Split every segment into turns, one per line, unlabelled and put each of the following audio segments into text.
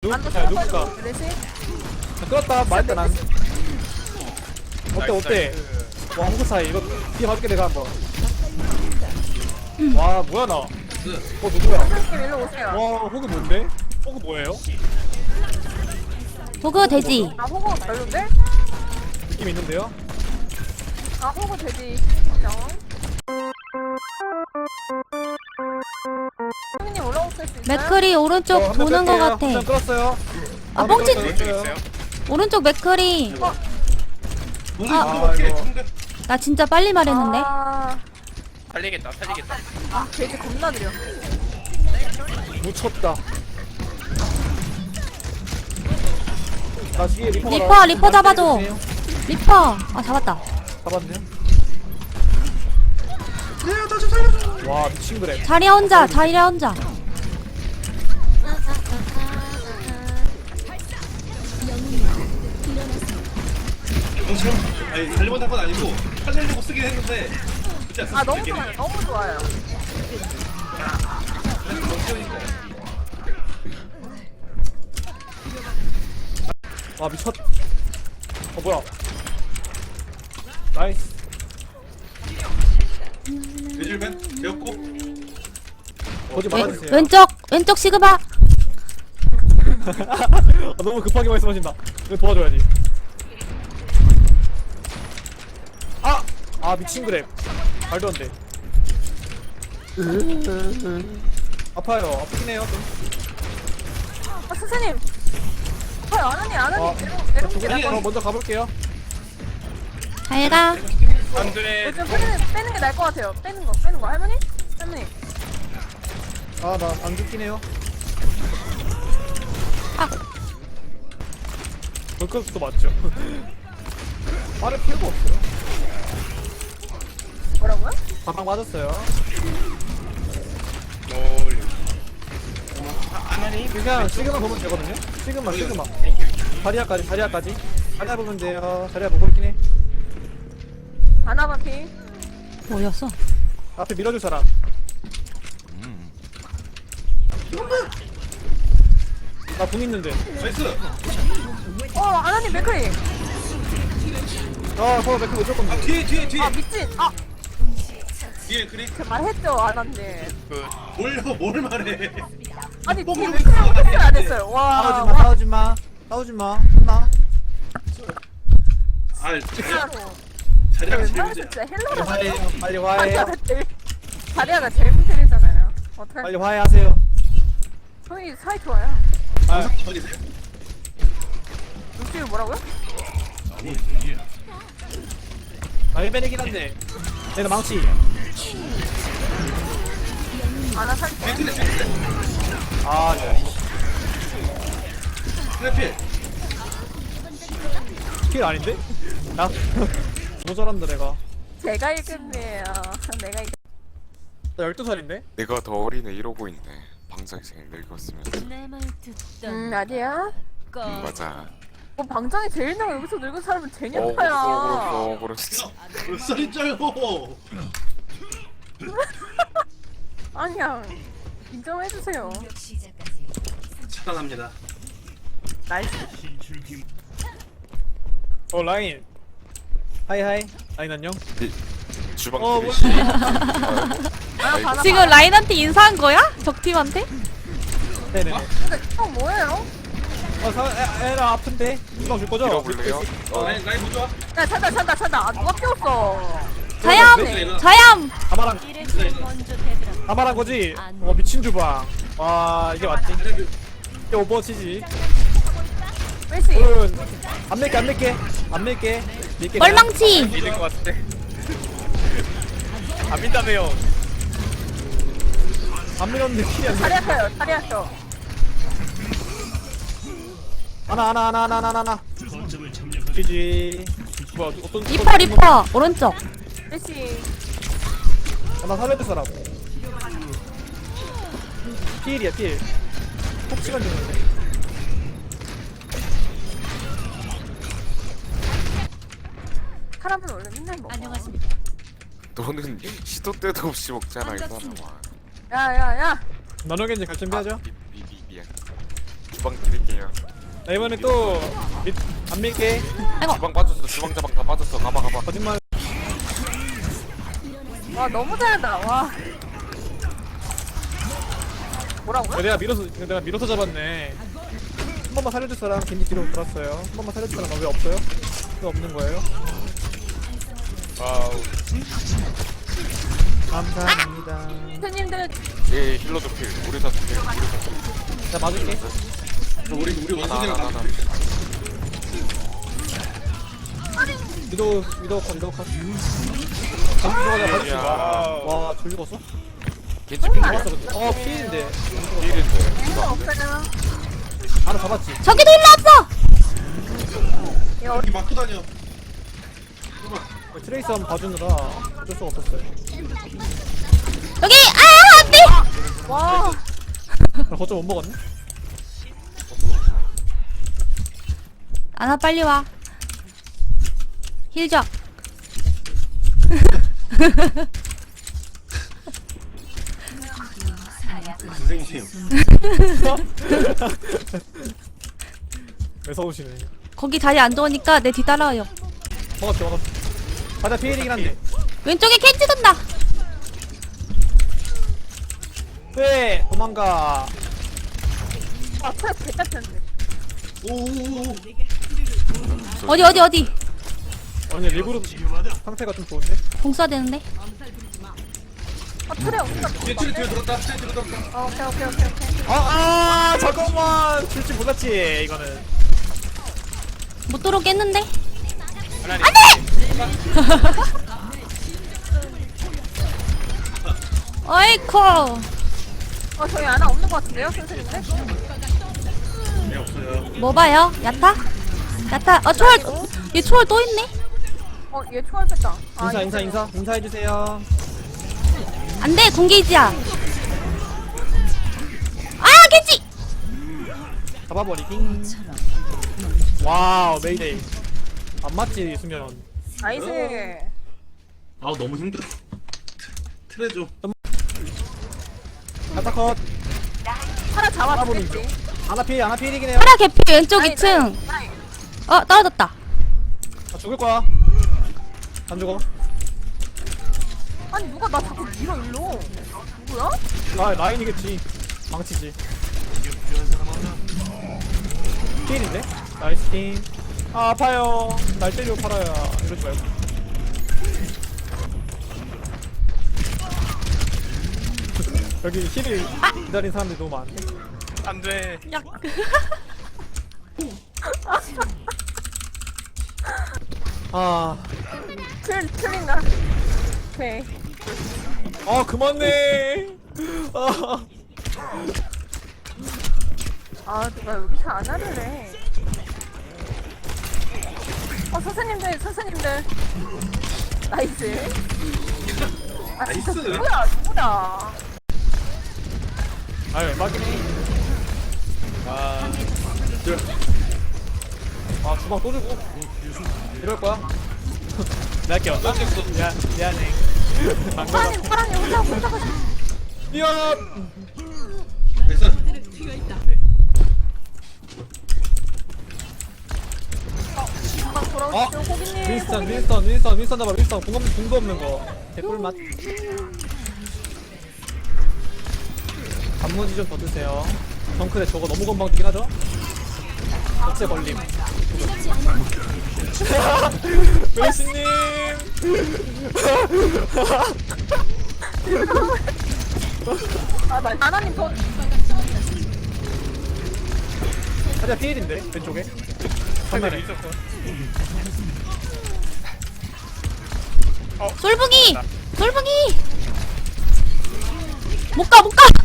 누구야 누구야
레시?
끌었다 말했다 난 어때 어때 와 호그 사이 이거 뒤에 봐줄게 내가 한번 와 뭐야 나 누구야
선생님 일로 오세요.
와 호그 뭔데? 호그 뭐예요?
호그 돼지.
아 호구 별론데?
느낌 있는데요?
아 호구 돼지 인정. 선생님 올라오실 수 있어요?
맥크리 오른쪽
한명
도는 거
끌게요.
같아.
한명 끌었어요
아, 뻥치-
끌었어요.
오른쪽 맥크리.
아 이거
나 진짜 빨리 말했는데.
살리겠다.
아 돼지 겁나 느려.
묻혔다 나 뒤에 리퍼가
리퍼 잡아줘. 리퍼. 아 잡았다.
잡았네 와 미친 그래
자리야 혼자.
아니 잘못한 건 아니고 살려고 쓰긴 했는데 그렇지 않습니까?
아 너무 좋아요. 너무 좋아요.
와 미쳤 뭐야 나이스
돼지맨 되었고
보지 말아주세요
왼쪽 시그마.
너무 급하게 말씀하신다 이거 도와줘야지 아 미친 그래 말도 안돼 아파요 아프긴 해요 좀.
아 선생님. 아나니
어,
내려오지
저 먼저 가볼게요
잘가.
안 돼.
요즘 빼는 게 나을 것 같아요. 빼는 거. 할머니?
아 나 안 죽긴 해요
아.
벌크도 맞죠 빠를 필요가 없어요
뭐라고요?
바방 맞았어요 그냥 시그만 보면 되거든요 시그만 자리아까지 자리아 보면 돼요 자리아 보고 있긴 해
아나바피.
뭐였어?
앞에 밀어줄 사람 나 공 있는데
나이스
아나님 맥크리.
아 맥크 무조건 돼.
뒤에
아 미친. 아
뒤에 그리
그 말했죠 아나님.
뭘 말해
아니
뭐
뒤에
모르고
맥크리
있어.
어떻게 안 했어요? 와.
싸우지마 혼나
아
진짜로.
자리가 제일
웬만해서
문제야
진짜 헬로로
화해해요 빨리 화해해요
자리아가 제일 문제잖아요. 어떡할?
빨리 화해하세요
저희 사이 좋아요.
아
저기세요
루시우 뭐라고요?
알베르긴 한데 얘는 망치
아나 사이 좋아요.
아 네.
트래필
킬 아닌데? 야 모자란다 내가
제가 1급이에요. 내가 1급.
나 12살인데?
내가 더 어리네 이러고 있네. 방장생을 늙었으면.
아니야.
맞아.
뭐 방장이 제일 나 여기서 늙은 사람은 제니아파야.
그렇지.
몇 살인짜요
아니야. 인정해주세요.
차단합니다
나이스.
라인 하이하이 라인 안녕
주방
뭐
드리시.
지금 라인한테 인사한 거야? 적팀한테?
네네네
근데 뭐예요?
에라 아픈데 주방 줄 거죠?
밀어볼래요?
라인 보자
야 찬다. 아 누가 끼웠어?
자얌.
가말한 거지? 미친 주방 와 이게 맞지 이게 오버워치지
왜시?
안 낼게
멀망치.
믿을 것 같은데. 안 믿다며요.
안 밀었는데 킬이 안 돼.
자리아펴.
하나 GG 뭐야 어떤
리퍼 오른쪽.
왜시?
나 살려줄 사람 필이야 필 폭치만 주는데
사람은 원래 맨날 먹어.
너는 시도 때도 없이 먹잖아 이 사람아.
야야야.
나눠겐지 갈 준비하죠?
미안. 주방 드릴게요.
나 이번에 또 안 밀게.
주방 빠졌어. 주방 자방 다 빠졌어. 가봐.
거짓말.
와 너무 잘한다. 와. 뭐라고요?
내가 밀어서 잡았네. 한 번만 살려줄 사람 겐지 뒤로 돌았어요. 한 번만 살려줄 사람 왜 없어요? 왜 없는 거예요?
와우.
감사합니다.
선생님들
예, 힐러도 필. 우리 다 필.
나 맞을게.
우리 원숭이랑
나.
위도 컷.
야.
와, 졸 죽었어?
겐지 필.
잡았어, 근데. 피인데.
필인데.
이거 없어요.
바로 잡았지.
저기도 일로 왔어.
여기 막고 다녀.
트레이스 한번 봐주느라 어쩔 수가 없었어요.
여기 안돼.
와.
나 거점 못 먹었네?
아나 빨리 와. 힐 줘.
선생님.
왜 서우시네.
거기 자리 안 좋으니까 내 뒤 따라와요.
먹었어. 바다 피해이긴 한데.
왼쪽에 캔지 돈다.
왜 도망가.
아 그래 개같은데.
오오오.
어디.
아니 리그룹 상태가 좀 좋은데?
공 쏴야 되는데.
트레 없는 것
뒤에 들었다. 뒤에 들었다.
오케이.
잠깐만 줄 줄 몰랐지 이거는.
못 들어오겠는데. 어이쿠.
저희 하나 없는 것 같은데요, 선생님들?
네 없어요.
뭐 봐요? 야타? 초월. 얘 초월 또 있네.
얘 초월 뺐다.
인사해주세요.
안돼 공개이지야. 아 캔지.
잡아버리기. 와우 메이데이. 안 맞지 수면.
나이스.
아 너무 힘들어. 트레 좀.
가타컷.
하나 잡아주겠지.
아나 피해이긴 해요.
파라 개피 왼쪽 2층. 떨어졌다.
아, 죽을 거야. 안 죽어.
아니 누가 나 자꾸 밀어 일로. 누구야?
라인이겠지. 망치지. 피해인데? 나이스 팀. 아파요. 날 때리고 팔아야. 이러지 말고. 여기 힐을 기다린 사람들이 너무 많은데?
안 돼.
아,
틀린가? 오케이.
그만해.
누가 여기서 안 하려래. 선생님들. 나이스.
나이스.
누구다.
아유, 막이네. 주방 또 주고. 이럴 거야? 내가 할게요. 미안해.
파란이 혼자 가시.
미안!
됐어.
돌아오시죠, 고객님.
윈스턴 잡아, 윈스턴. 공도 없는 거. 개꿀맛. 단무지 좀 더 드세요. 덩크대 저거 너무 건방 뛰긴 하죠? 어째 걸림. 메시님!
하나님 더.
하자 피일인데, 왼쪽에. 정면에.
솔붕이. 못 가.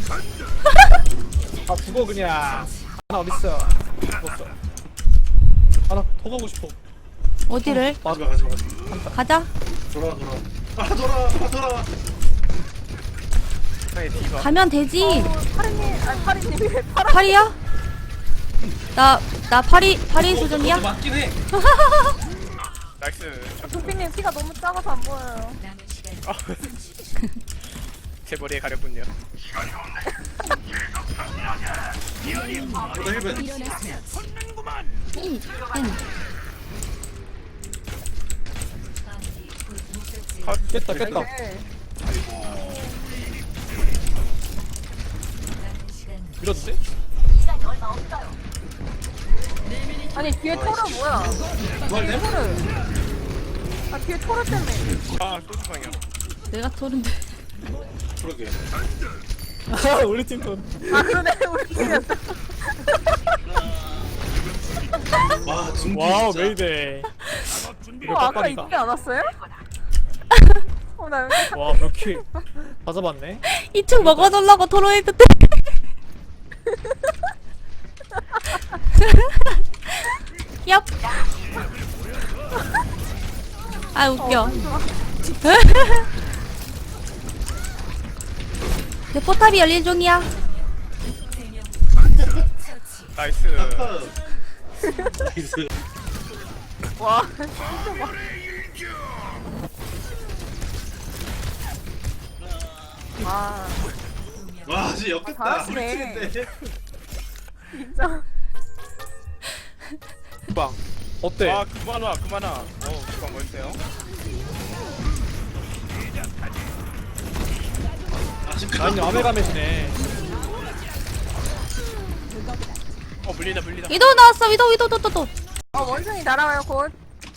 죽어 그냥. 하나 어딨어? 죽었어. 하나 더 가고 싶어.
어디를?
가지마.
가자.
돌아. 돌아.
가면 되지.
파리님이 왜
파리야? 나 파리 수준이야?
맞긴 해.
나이스.
도피님 키가 너무 작아서 안 보여요.
제 머리에 가렸군요.
보다 힐벤.
깼다 깼다.
네.
밀었는데?
아니 뒤에 토르 뭐야? 뒤에 토르. 아 뒤에 토르 때문에.
아 소주방이야.
내가 토른데.
그러게.
아 우리 팀 돈.
아 그러네 우리 팀이었어.
와 준비
와우
진짜.
메이데이. 이거
아까
빡빡이다.
이때 안 왔어요? 나 여기
와 몇 킬? 다 잡았네.
2층 먹어놓으려고 토론했는데. 얍. 아 웃겨. 내 포탑이 열린 중이야.
나이스.
나이스.
와 진짜 막. 와
와 진짜 역겹다.
잘하시네.
우리 팀인데.
진짜.
주방. 어때?
아 그만 와 그만 와. 주방 멋있어요.
아쉽다.
아니 아메가메시네.
물린다 물린다.
위도 나왔어. 위도 또.
원숭이 날아와요 곧.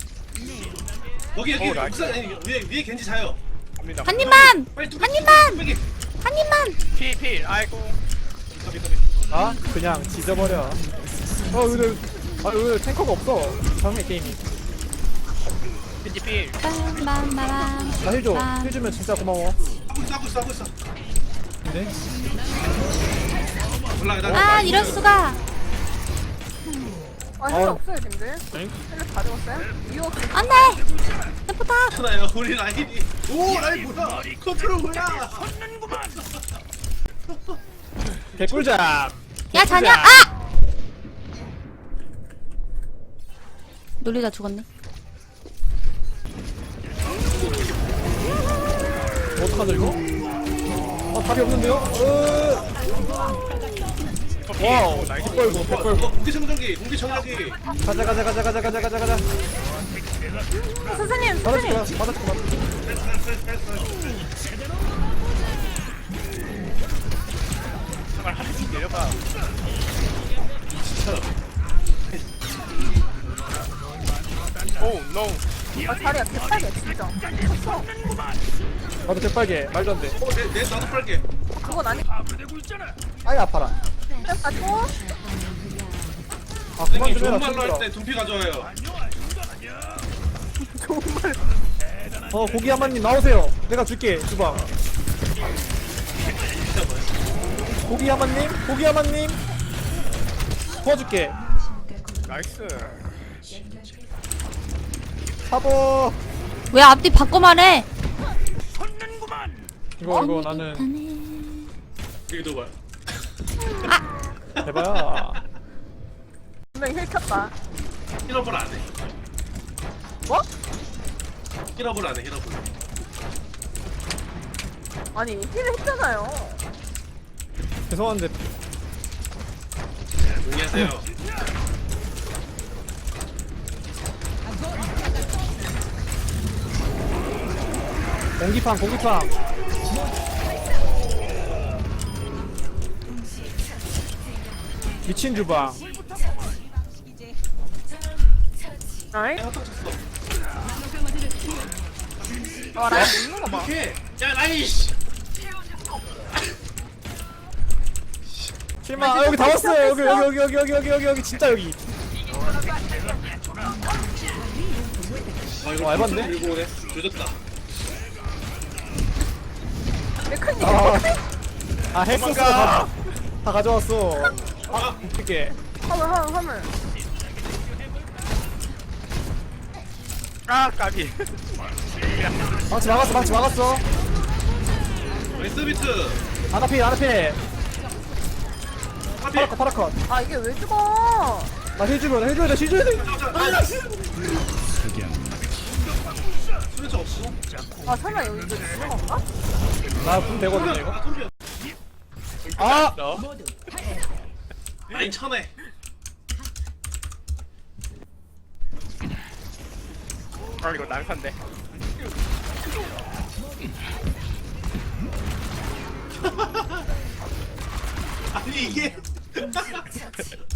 여기
오, 나이스.
옥상 아니, 위에 겐지 자요.
갑니다.
한 입만.
빨리
한 입만.
뚜껑
한 입만.
필 아이고.
아 그냥 지져버려. 오늘 오늘 탱커가 없어. 상대 게임이.
겐지 필.
빰빰빰빰.
나 힐 줘. 힐 주면 진짜 고마워.
하고 있어.
근데
올라가.
아 이럴 수가.
아 힐 없어요 님들.
엥?
힐 가져갔어요? 이유 없이.
안돼. 내 포탑.
하나요. 우리 라인이. 오 라인 뭐야? 컨트롤 뭐야?
개꿀잡.
야 자냐. 아. 놀리다 죽었네.
어떡하죠 이거? 아 답이 없는데요? 와우 백벌고 백벌고.
공기 청정기.
가자.
선생님
받아줄게.
정말 하나씩 내려가. 오 노.
아 자리야 개빨개 진짜. 쳤어.
나도 개빨개. 말도 안 돼.
내 나도 빨게.
그건 아니.
아이 아파라.
가지고.
아 그만
선생님
좀
좋은
해라.
말로
힘들어.
할 때 둠피 가져와요.
고기 한마님 나오세요. 내가 줄게 주방. 고기 한마님 도와줄게.
나이스.
사보.
왜 앞뒤 바꿔 말해?
이거 나는
여기도 봐.
해봐야.
분명히 힐 켰다.
힐업을 안 해.
뭐?
힐업을 안 해.
아니 힐을 했잖아요.
죄송한데
안녕하세요.
공기팡. 미친 주방.
아이.
한턱 쳤어.
와 라인 있는 거 봐.
오케이. 야 라이씨.
실마. 아 여기 다 왔어요. 여기 진짜 여기.
아 이거
알았네.
들고 오네. 조졌다.
메카닉.
아 했었어. 다 가져왔어. 아 웃기게.
화물.
아 까비.
망치 막았어.
나이스 비트.
아나필.
하필.
파라컷.
아 이게 왜 죽어?
나 해줘야 돼.
수면차 없어.
아 설마 여기 이거 죽는 건가?
나분 되거든요 이거.
아 톰비야.
아!
너
라인 쳐내.
아 이거 난산데
아니 이게